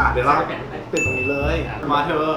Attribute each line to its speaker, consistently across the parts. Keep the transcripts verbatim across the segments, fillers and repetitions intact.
Speaker 1: เดี๋ยวเราติดตรงนี้เลยมาเธอ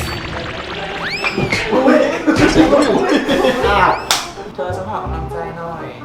Speaker 1: อุ้ยอ้าว
Speaker 2: เธอจะขอกำลังใจหน่อย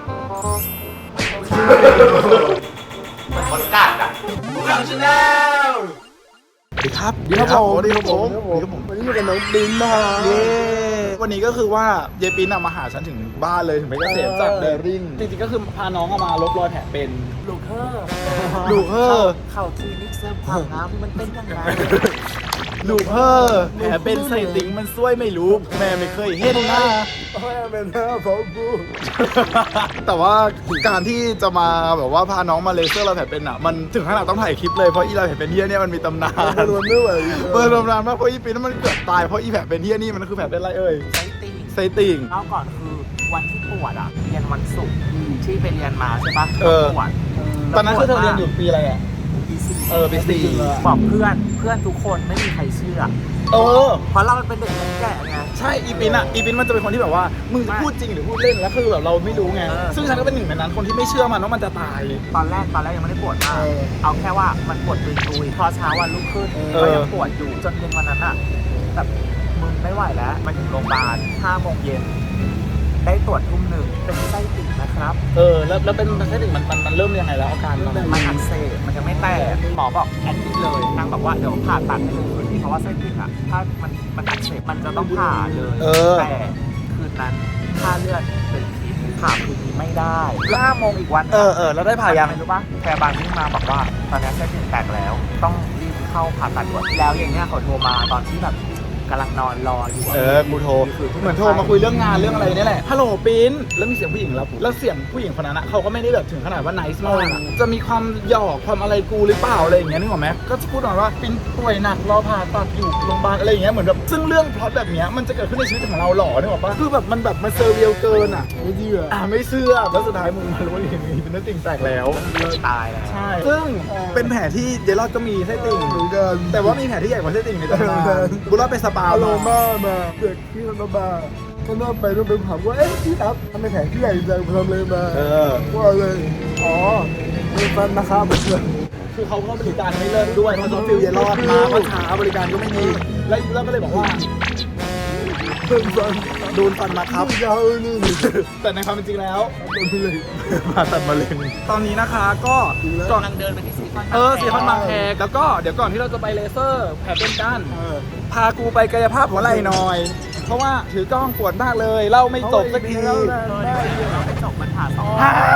Speaker 2: เหมือนคนกัดอ่ะผู้ชมชาแนล
Speaker 1: สวัสดีครับสวัสดีครับผมสวัสดีครับผมวันนี้อยู่กับน้องปินมาเย้วันนี้ก็คือว่าเยปินมาหาฉันถึงบ้านเลยถึงเพชรเกษมจากเดริ่งจริงๆก็คือพาน้องมาลบรอยแผลเป็น
Speaker 2: ลูกเฮอร์
Speaker 1: ลูกเฮอร์
Speaker 2: เข่าคลินิกเสริมความงามมันเป็นยังไง
Speaker 1: ลูกเฮอร์แผลเป็นใส่ติ่งมันซวยไม่รู้แม่ไม่เคยเห็นนะแม่เป็นหน้าพ่อพูดแต่ว่าการที่จะมาแบบว่าพาน้องมาเลเซอร์รอยแผลเป็นอ่ะมันถึงขนาดต้องถ่ายคลิปเลยเพราะอีรอยแผลเป็นเฮี้ยเนี่ยมันมีตำนานมันไม่ไหวเปิดตำนานมากเพราะอีปีนั้นมันเกือบตายเพราะอีแผลเป็นเฮี้ยนี่มันคือแผลเป็นอะไรเอ่ย
Speaker 2: ไซติ่ง
Speaker 1: ไซติ่ง
Speaker 2: เล่าก่อนคือวันที่ปวดอ่ะเรียนวันศุกร์ที่ไปเรียนมาใช่ปะปวด
Speaker 1: ตอนนั้นคือเธอเรียนอยู่ปีอะไรอ่ะเออปีสี่
Speaker 2: บอกเพื่อนเพื่อนทุกคนไม่มีใครเชื่อ
Speaker 1: เออ
Speaker 2: เพราะเราเป็นเด็กแก่ไง
Speaker 1: ใช่อีปินอ่ะอีปินมันจะเป็นคนที่แบบว่ามึงจะพูดจริงหรือพูดเล่นแล้วคือแบบเราไม่รู้ไงซึ่งฉันก็เป็นหนึ่งในนั้นคนที่ไม่เชื่อมันว่ามันจะตาย
Speaker 2: ตอนแรกตอนแรกยังไม่ได้ปวดมากเอาแค่ว่ามันปวดตุยๆพอเช้าวันรุ่งขึ้นก็ยังปวดอยู่จนเย็นวันนั้นอ่ะแบบมึงไม่ไหวแล้วมาถึงโรงพยาบาลห้าโมงเย็นได้ตรวจทุ่มหนึ่งเป็นไส้ติ่งนะครับ
Speaker 1: เออแล้วแล้วเป็นไส้ติ่งมันมันมันเริ่มยังไงแล้วอาการมัน
Speaker 2: มันอักเสบมันยังไม่แตกหมอบอกแอดมิดเลยนางบอกว่าเดี๋ยวผ่าตัดให้เลยคืนนี้เพราะว่าไส้ติ่งอ่ะถ้ามันมันอักเสบมันจะต้องผ่าเลยแต่คืนนั้นค่าเลือดเป็นพิษผ่าคืนนี้ไม่ได้ห้าโมงอีกวัน
Speaker 1: เออเออแล้วได้ผ่ายัง
Speaker 2: รู้ปะพยาบาลที่มาบอกว่าตอนนี้ไส้ติ่งแตกแล้วต้องรีบเข้าผ่าตัดด่วนแล้วอย่างเงี้ยเขาโทรมาตอนที่แบบกำลังนอนรออยู่
Speaker 1: เออกูโทรเหมือนโทรมาคุยเรื่องงานเรื่องอะไรนี่แหละฮัลโหลปิ้นแล้วมีเสียงผู้หญิงรับแล้วเสียงผู้หญิงคนนั้นเขาก็ไม่ได้แบบถึงขนาดว่าไนส์มากจะมีความหยอกความอะไรกูหรือเปล่าอะไรอย่างเงี้ยนึกออกไหมก็พูดหน่อยว่าปิ้นป่วยหนักรอผ่าตัดอยู่โรงพยาบาลอะไรอย่างเงี้ยเหมือนแบบซึ่งเรื่องพล็อตแบบเนี้ยมันจะเกิดขึ้นในชีวิตของเราหรอนึกออกปะคือแบบมันแบบมันเซอร์เรียลเกินอ่ะไม่เชื่ออ่ะไม่เชื่อแล้วสุดท้ายมึงมารู้ว่าอย่างนี้เป็นเนื้อติ่งแตกแล้ว
Speaker 2: ตายแล้ว
Speaker 1: ใช่ซึ่งเป็นแผลที่เดลอดก็มีไส้ติ่งเหมือนกันแต่ว่ามีแผลที่ใหญ่กว่าไส้ติ่งในตำนานบุรอดไปสปาโลมามาเด็กที่มันบ้าก็น่าไปต้องไปถามว่าเอ๊ะพี่ครับทำไมแผลที่ใหญ่จังทำเลยมาว่าเลยอ๋อมีฟันนะครับคือเขาก็บริการไม่เลิกด้วยเพราะต้องฟิลเยลอดมาเพราะช้าบริการก็ไม่มีแล้วแล้วก็เลยบอกว่าโดนฟันโดนฟันมาครับยาวนี่แต่ในความเป็นจริงแล้วโดนเลยผ่าตัดมะเร็งตอนนี้นะคะก็
Speaker 2: ก่อนเดินไปที่ซีคอน
Speaker 1: เออซีคอนบางแคแล้วก็เดี๋ยวก่อนที่เราจะไปเลเซอร์แผลเป็นกันพากูไปกายภาพหัวไหล่หน่อยเพราะว่าถือกล้องปวดมากเลยเล่าไม่จบสักที
Speaker 2: เราไม่จบมันผ่าสอง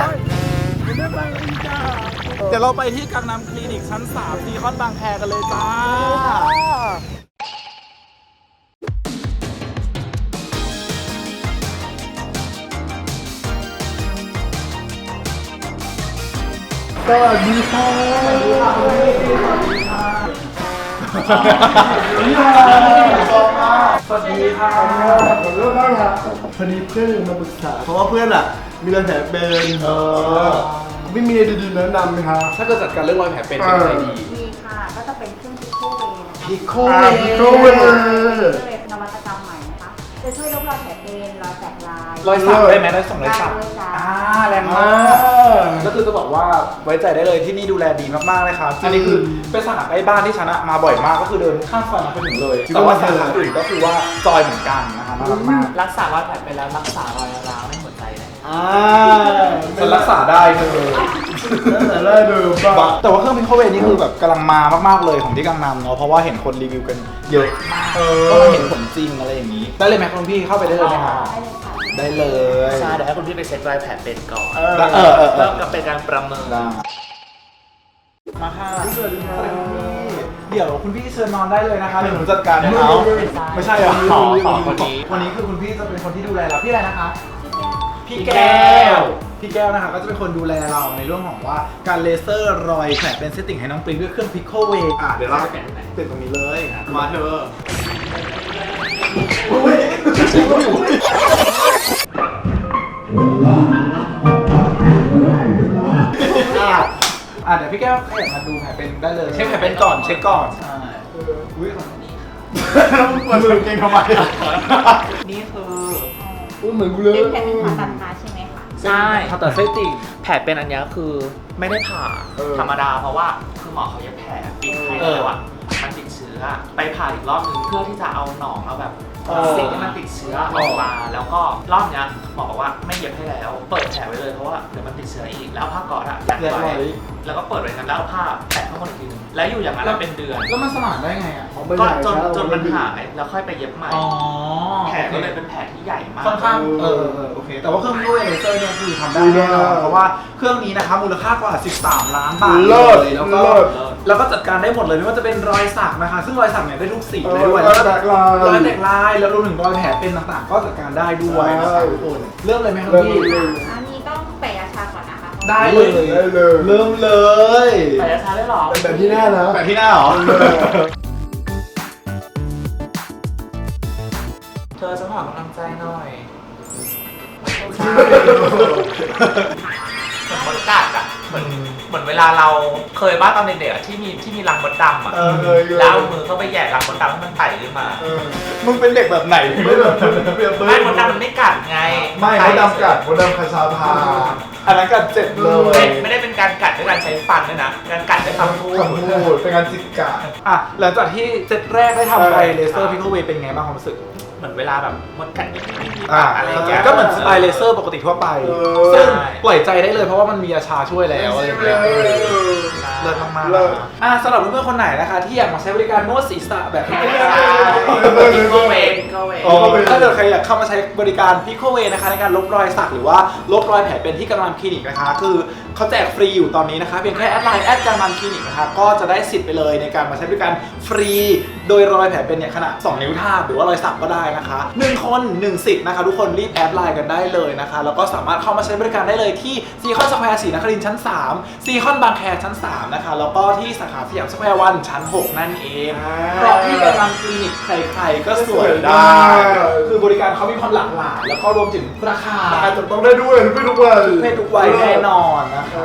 Speaker 1: เดี๋ยวเราไปที่กังนำคลินิกชั้นสามซีคอนบางแคกันเลยจ้าสวัสดีค่ะสวัสดีค่ะสวัสดีค่ะสวัสดีค่ะสวัสดีค่ะผมเริ่มได้ค่ะพอดีเพื่อนมาปรึกษาเพราะว่าเพื่อนอ่ะมีรอยแผลเป็นเออไม่มีอะไรดีๆแนะนำไหมคะ
Speaker 2: ถ้าเกิดจัดการเรื่องรอยแผลเป็นเป็นอะไรดี
Speaker 3: มีค่ะก็จะเป็นเครื่องพิโคเว
Speaker 1: พิโคเวพิโคเว
Speaker 3: เป็นนวัตกรรมใหม่นะคะจะช่วยลดรอยแผลเป็นรอยแตกลาย
Speaker 1: รอยสักได้ไหมรอยสักรอยสักอ่าแรงมากก็คือจะบอกว่าไว้ใจได้เลยที่นี่ดูแลดีมากๆเลยครับอันนี้คือเป็นสาขาใกล้บ้านที่ฉันมาบ่อยมากก็คือเดินข้ามซอยมาไปถึงเลยแต่ว่าสาขาอื่นก็คือว่าจอยเหมือนกันนะคะน่ารักมาก
Speaker 2: รักษารอยแผลเป็นแล้วรักษารอยร้าวในหัวใจได้
Speaker 1: อ่าฉันรักษาได้เลยรักษาได้เลยบ้าแต่ว่าเครื่องพิโคเวนี่คือแบบกำลังมามากๆเลยของที่กังนำเนาะเพราะว่าเห็นคนรีวิวกันเยอะมากก็เห็นผลจริงอะไรอย่างนี้ได้เลยไหมคุณพี่เข้าไปได้เลยไหมครับได้เลย
Speaker 2: ใช่เดี๋ยวให้คุณพี่ไปเช็ครอยแผลเป็นก่อน
Speaker 1: เออเออ
Speaker 2: เริ่มกับเป็นการประเมิน
Speaker 1: มาค่ะสวัสดีค่ะเดี๋ยวคุณพี่เชิญนอนได้เลยนะคะเดี๋ยวหนูจัดการนะคะไม่ใช่เหรอ
Speaker 2: ขอขอคนนี้
Speaker 1: วันนี้คือคุณพี่จะเป็นคนที่ดูแลเราพี่อะไรนะคะพี่แก้วพี่แก้วนะคะก็จะเป็นคนดูแลเราในเรื่องของว่าการเลเซอร์รอยแผลเป็นเซตติ้งให้น้องปริ้นด้วยเครื่องพิโคเวอ่ะเดี๋ยวเราติดตรงนี้เลยมาเธออ่ะเดี๋ยวพี่แก้วขยับมาดูแผลเป็นได้เลยเช็คแผลเป็นก่อนเช็คก่อนใช่อุ้ยต้องเปิดมือเก่งทำไม
Speaker 2: นี่คือ
Speaker 1: อุ้ยเหมือนกูเลย
Speaker 3: เป็นแผลเป็นผ่าตัดขาใช่ไหมคะ
Speaker 2: ใช่ผ่าตัดไส้ติ่งแผลเป็นอันนี้คือไม่ได้ผ่าธรรมดาเพราะว่าคือหมอเขาเย็บแผลปิดให้แล้วอ่ะชื้อไปผ่าอีกรอบนึงเพื่อที่จะเอาหนองเอาแบบสิ่งที่มันติดเชื้อออกมาแล้วก็รอบนี้หมอบอกว่าไม่เย็บให้แล้วเปิดแผลไว้เลยเพราะว่าเดี๋ยวมันติดเชื้ออีกแล้วผ้าก๊อซอะยัดไว้แล้วก็เปิดไว้กันแล้วเอาผ้าแปะข้างบนอีกทีนึงแล้วอยู่อย่างนั้นเป็นเดือน
Speaker 4: แล้วมันสมานได้ไงอ่ะ
Speaker 2: ก็จนจนมันหายแล้วค่อยไปเย็บใหม่
Speaker 4: อ๋อ
Speaker 2: แผลก็เลยเป็นแผลที่ใหญ่มาก
Speaker 4: ค่อนข้างเออเออโอเคแต่ว่าเครื่องด้วยเลเซอร์เนี่ยคือทำได้แน่นอนเพราะว่าเครื่องนี้นะคะมูลค่ากว่าสิบสามล้านบาทเลยแล้วก็แล้วก็จัดการได้หมดเลยไม่ว่าจะเป็นรอยสักนะคะซึ่งรอยสักเนี่ยได้ทุกสีเลยด้วย
Speaker 1: รอยแตกลาย
Speaker 4: รอยแตกลายแล้วรวมถึงรอยแผลเป็นต่างๆ ก็จัดการได้ด้วยนะคะทุกคนเริ่มเลยไหมครับพี่
Speaker 3: อันนี้ต้องแปะยาชาก่อนนะคะ
Speaker 4: ได้เลย
Speaker 1: ได้เลย
Speaker 4: เริ่มเลย
Speaker 2: แต่จะใช้ได้หรอ
Speaker 1: เป็นแบบที่หน้านะ
Speaker 4: แบบที่หน้าเหรอ
Speaker 2: เธอจะขอกำลังใจหน่อยเหมือนมดกัดอ่ะเหมือนเหมือนเวลาเราเคยบ้าตอนเด็กๆอะที่มีที่มีรังมดดำอ่ะ
Speaker 1: เออเคยเคย
Speaker 2: แล้วเอามือเข้าไปแหย่รังมดดำให้มันไต่ขึ้นมา
Speaker 1: เออ
Speaker 4: มึงเป็นเด็กแบบไหน
Speaker 1: ไม่แบบเปรียบเปร
Speaker 2: ไม่
Speaker 1: ย
Speaker 2: มดดำมันไม่กัดไง
Speaker 1: ไม่มดดำกัดมดดำคาชาพา
Speaker 4: อันนั้นก็เจ็บเล
Speaker 2: ไม่
Speaker 4: ย
Speaker 2: ไม่ได้เป็นการกัดด้วยการใช้ฟันด้วยนะการกัดด้วยคำพูด
Speaker 1: คำพูดเป็นการจิกกัด
Speaker 4: อ่ะหลังจากที่เซตแรกได้ทำไป
Speaker 1: เออ
Speaker 4: เลเซอร์พิกเวย์เป็นไงบ้างความรู้สึก
Speaker 2: เหมือนเวลาแบบมดกัดนิดๆ
Speaker 4: อ่า
Speaker 2: อะไรอย่างเงี้ย
Speaker 4: ก็เหมือนสไตล์เลเซอร์ปกติทั่วไป
Speaker 1: เออ
Speaker 4: ซึ่ง
Speaker 2: ใช่
Speaker 4: ปล่อยใจได้เลยเพราะว่ามันมียาชาช่วยแล้วอะไรอย่างเงี้ยเลิศมากๆ
Speaker 1: เลิศ
Speaker 4: อ่ะสำหรับเพื่อนๆคนไหนนะคะที่อยากมาใช้บริการนวดศีรษะแบบนี้
Speaker 2: พิกโกเวย์พิกโกเวย์
Speaker 4: อ๋อถ้าเกิดใครอยากเข้ามาใช้บริการพิโคเวนะคะในการลบรอยสักหรือว่าลบรอยแผลเป็นที่กังนำคลินิกนะคะคือเขาแจกฟรีอยู่ตอนนี้นะคะเพียงแค่แอดไลน์แอดกังนำคลินิกนะคะก็จะได้สิทธิ์ไปเลยในการมาใช้บริการฟรีโดยรอยแผลเป็นเนี่ยขนาดสองนิ้วทาบหรือว่ารอยสักก็ได้นะคะหนึ่งคนหนึ่งสิทธิ์นะคะทุกคนรีบแอดไลน์กันได้เลยนะคะแล้วก็สามารถเข้ามาใช้บริการได้เลยที่ซีคอนสแควร์ศรีนครินทร์ชั้นสามซีคอนบางแคชั้นสามนะคะแล้วก็ที่สาขาสยามสแควร์วันชั้นหกนั่นเองเพราะที่กังนำคลินิกใครๆก็สวยได้ คือบริการเขามีความหลากหลายแล้วก็รวมถึงราคา
Speaker 1: การจับต้องได้ด้วยไม่ทุกวัน
Speaker 4: ทุกเพศทุกวัยแน่นอนนะคะ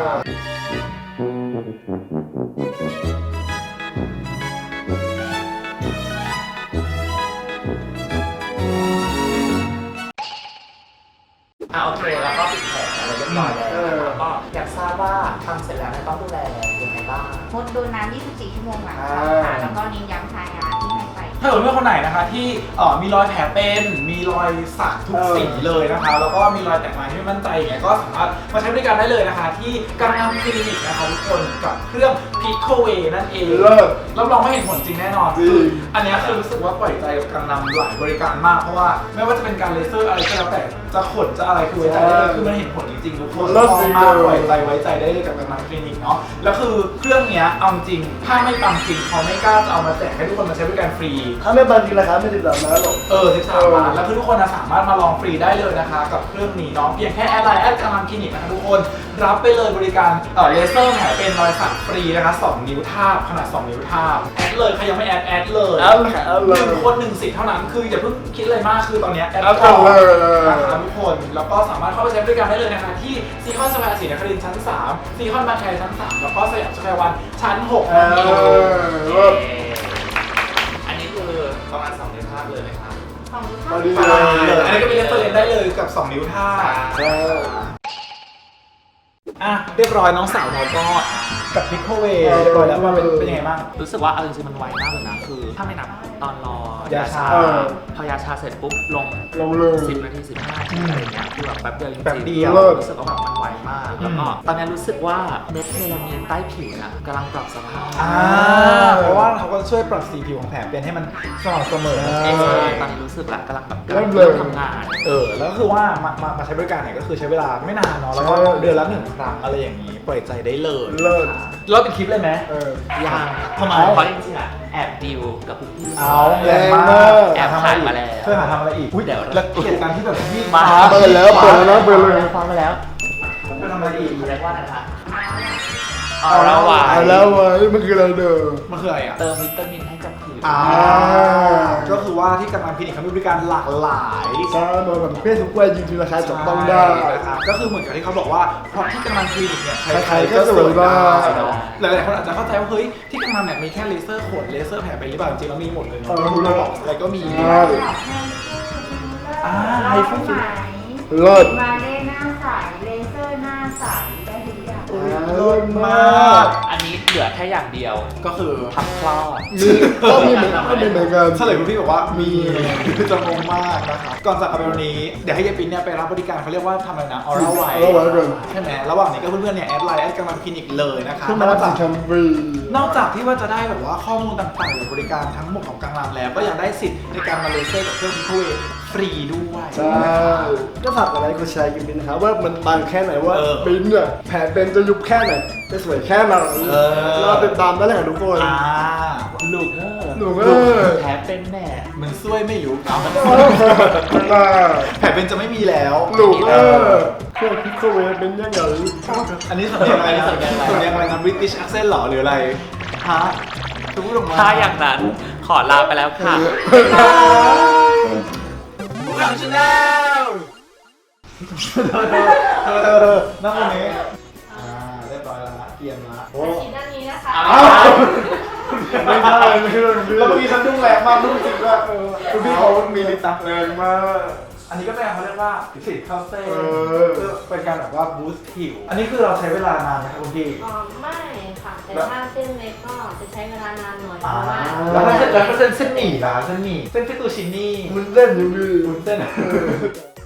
Speaker 2: อ่ะโอเคแล้วก็ปิดแผลอะไรเรียบร้อยแล้วแล้วก็อยากทราบว่าทำเสร็จแล้วเนี่ยต้องดูแลยังไงบ้าง
Speaker 3: งดโดนน้ำยี่สิบสี่ชั่วโมงหลังทำค่ะแล้วก็เน้นย้ำทายาที่ให้ไป
Speaker 4: ถ้าเกิดเพื่อนคนไหนนะคะที่เอ่อมีรอยแผลเป็นมีรอยสักทุกสีเลยนะคะแล้วก็มีรอยแตกลายที่ไม่มั่นใจอย่างเงี้ยก็สามารถมาใช้บริการได้เลยนะคะที่กังนำคลินิกนะคะทุกคนกับเครื่องพิโคเวนั่นเอง
Speaker 1: เลิศ
Speaker 4: รับรองว่าเห็นผลจริงแน่นอน
Speaker 1: จริง
Speaker 4: คืออันเนี้ยคือรู้สึกว่าปล่อยใจกับกังนำหลายบริการมากเพราะว่าไม่ว่าจะเป็นการเลเซอร์อะไรก็แล้วแต่จะขนจะอะไรคือไว้ใจได้เลยคือมันเห็นผลจริงๆทุกคน
Speaker 1: เลิศจริง
Speaker 4: มาก
Speaker 1: เลย
Speaker 4: ปล่อยใจไว้ใจได้เลยกับกังนำคลินิกเนาะแล้วคือเครื่องเนี้ยเอาจริงถ้าไม่ปังจริงเขาไม่กล้าจะเอามาแจกให้ทุกคนมาใช้บริการฟรี
Speaker 1: ถ้าไม่บางทีราคาไม่ถึงสามล้านหรอก
Speaker 4: เออสิบสามล้านแล้วคือทุกคนนะสามารถมาลองฟรีได้เลยนะคะกับเครื่องนี้เนาะเพียงแค่แอดไลน์แอดกังนำคลินิกนะคะทุกคนรับไปเลยบริการเอ่อเลเซอร์แผลเป็นรอยสักฟรีนะคะสองนิ้วทาบขนาดสองนิ้วทาบแอดเลยใครยังไม่แอดแอดเลย
Speaker 1: แอดเลยแอดเลย
Speaker 4: หนึ่งคนหนึ่งสิทธิ์เท่านั้นคืออย่าเพิ่งคิดอะไรมากคือตอนเนี้ยแอด
Speaker 1: แอด
Speaker 4: ก่อน
Speaker 1: เลย
Speaker 4: นะคะทุกคนแล้วก็สามารถเข้าไปใช้บริการได้เลยนะคะที่ซีคอนสแควร์ศรีนครินทร์ชั้นสามซีคอนบางแคชั้นสามแล้วก็สยามสแควร์วันชั้นหก
Speaker 1: เอ
Speaker 4: นั่นเอง
Speaker 1: อเลิศ
Speaker 2: อันนี้คือประมาณสองเดือนภาพเลยไหมครับ
Speaker 3: ของลูก
Speaker 1: มา
Speaker 3: ค้า
Speaker 1: ดี
Speaker 4: ใช่เลยอันนี้ก็เป็นเรฟเฟอเรนซ์ได้เลยกับสองนิ้วท่าบ
Speaker 1: ใช่
Speaker 4: อ่ะเรียบร้อยน้องสาวเราก็กับพิกโคเวเรียบร้อยแล้วว่าเป็นเป็นยังไงบ้าง
Speaker 2: รู้สึกว่าเอาจริงๆมันไวมากเลยนะคือถ้าไม่นับตอนรอยาชา
Speaker 4: เออ
Speaker 2: พอยาชาเสร็จปุ๊บลง
Speaker 1: ลงเลย
Speaker 2: สิบนาทีสิบห้านาทีอะไรอย่างเงี้ยคือแบบแป๊บเดียวจริงๆ
Speaker 4: แป๊บเดียว
Speaker 2: รู้สึกว่าแบบมันไวมากแล้วก็ตอนนี้รู้สึกว่าเม็ดเมลามีนใต้ผิวนะกำลังปรับสภาพ
Speaker 4: อ่าเพราะว่าเขาก็ช่วยปรับสีผิวของแผลเป็นให้มันสม่ำเสมอนั่นเอ
Speaker 2: ใช่
Speaker 4: ง
Speaker 2: ตอนนี้รู้สึกแล้วกำลังแบบ
Speaker 1: เริ่
Speaker 2: กำลัง
Speaker 1: มเลย
Speaker 2: เริ่มทำงาน
Speaker 4: เออแล้วก็คือว่ามามามาใช้บริการเนี่ยก็คือใช้เวลาไม่นานเนาะแล้วก็
Speaker 1: ใช่
Speaker 4: เดือนละหนึ่งครั้งอะไรอย่างนี้ปล่อยใจได้เลย
Speaker 1: เลิศ
Speaker 4: แล้วเป็นคลิปเลยไหม
Speaker 1: เออ
Speaker 2: ยัง
Speaker 4: ทำไม
Speaker 2: เพราะจริงๆอะแอบดิวกับพี่ๆ
Speaker 4: เอาแรงมาก
Speaker 2: แอบถ่ายมาแล้ว
Speaker 4: ช่วยหาทำอะไรอีกอุ้ย
Speaker 2: เดี๋ยว
Speaker 4: แล้วเหตุการณ์ที่แบบวิ่ง
Speaker 2: มา
Speaker 1: เปิดแล้วเปิดแล้วนะเปิดเลย
Speaker 2: ฟังไปแล้ว
Speaker 4: ไปทำอะไรอีก
Speaker 2: เรียกว่าอะไรนะคะเอาละวา
Speaker 1: เอา
Speaker 2: ย
Speaker 1: แล้วเว้ยมันคืออะไรเด้อ
Speaker 4: มันคืออะไรอ่ะ
Speaker 2: เติมวิตามินให้กับผิว
Speaker 4: อ่าก็คือว่าที่กังนำคลินิกเขามีบริการหลากหลาย
Speaker 1: ใช่มาแบบเพศทุกวัยจริงๆราคาจับต้องได้
Speaker 4: นะครับก็คือเหมือนกับที่เขาบอกว่าเพราะที่กังนำคลินิกเนี่ย
Speaker 1: ใครๆก็สวยได้
Speaker 4: เนาะหลายๆคนอาจจะเข้าใจว่าเฮ้ยที่กังนำเนี่ยมีแค่เลเซอร์ขนเลเซอร์แผลเป็นหรือเปล่าจริงๆแล้วมีหมดเลยเนาะ
Speaker 1: เออ
Speaker 4: คุณบอกอะไรก็มี
Speaker 1: ใช่
Speaker 4: อ่า
Speaker 3: ไฮ
Speaker 4: ไฮ
Speaker 3: ฟู
Speaker 4: ฟู
Speaker 3: ไหม
Speaker 1: เลิศ
Speaker 3: มาเล่หน้าใสเลเซอร์หน้าใสได้ทุกอย่าง
Speaker 4: เลิศมาก
Speaker 2: อันนี้เหลือแค่อย่างเดียว
Speaker 4: ก็คือ
Speaker 2: ทำคลอด
Speaker 1: มีก็มีเหมือนก็มีเหมือนกัน
Speaker 4: เฉลยคุณพี่บอกว่ามีจะงงมากนะครับก่อนจากกันไปวันนี้เดี๋ยวให้ยายปิ๊นเนี่ยไปรับบริการเขาเรียกว่าทำอะไรนะออร่าไว
Speaker 1: เอาไว้ก่อน
Speaker 4: ใช่ไหมระหว่างนี้ก็เพื่อนๆเนี่ยแอดไลน์แอดกำลังคลินิกเลยนะคะ
Speaker 1: ขึ้นมารับสินค้าฟรี
Speaker 4: นอกจากที่ว่าจะได้แบบว่าข้อมูลต่างๆหรือบริการทั้งหมดของกังรามแล้ว ก็ยังได้สิทธิ์ในการมาเลเซอร์กับเครื่องพิโคเวฟรีด้วย
Speaker 1: ใช่ก็ฝากอะไรก็แชร์กันบินนะครับว่ามันบางแค่ไหนว่า
Speaker 4: เออ
Speaker 1: บินเนี่ยแผลเป็นจะยุบแค่ไหนจะสวยแค่ไหน
Speaker 4: เออ
Speaker 1: เราติดตามได้เลยค่ะทุกคน
Speaker 4: อ่า
Speaker 2: ลูกเออ
Speaker 1: หนูก็
Speaker 2: แผลเป็นแน่
Speaker 4: มันซวยไม่อยู่เอามัน
Speaker 1: มา
Speaker 4: แผลเป็นจะไม่มีแล้ว
Speaker 1: หนูก็เครื่องพิโคเวเป็นยังไง
Speaker 4: อันนี้สำเนียงอะไรนะสำเนียงอะไรนะ British accent หรอหรืออะไรฮะจะพูดออกมา
Speaker 2: ถ้าอย่างนั้นขอลาไปแล้วค่ะ
Speaker 4: พวกเราชาแนลเธอเธอเธอเธอนั่งตรงนี้อ่าเรียบร้อยแล้วนะเตรียมละโอ้
Speaker 3: ชิ้นด้านนี้นะคะ
Speaker 4: อ้าวไม่ใช่ไม่ใช่แล้วเมื่อกี้ฉันดุ้งแรงมากดุ้งจริงว่าเออคุณพี่เขามีลิตรแรงมากอันนี้ก็เป็นเขาเรียกว่าสิทธิ์เข้าเส้นเพื่อเป็นการแบบว่าบูสต์ผิวอันนี้คือเราใช้เวลานานไหมครับคุณพี่
Speaker 3: อ๋อไม่ค่ะ แต่ถ้าเส้นเล็กก็จะใช้เวลานานหน่อยเพ
Speaker 4: อ่า
Speaker 3: ราะว่า
Speaker 4: แล้วถ้าเส้นแล้วถ้าเส้นเส้นหมี่ล่ะเส้นหมี่เส้นฟิตูชินี่
Speaker 1: มันเล่นอยู่ดี
Speaker 4: วุ้นเส้น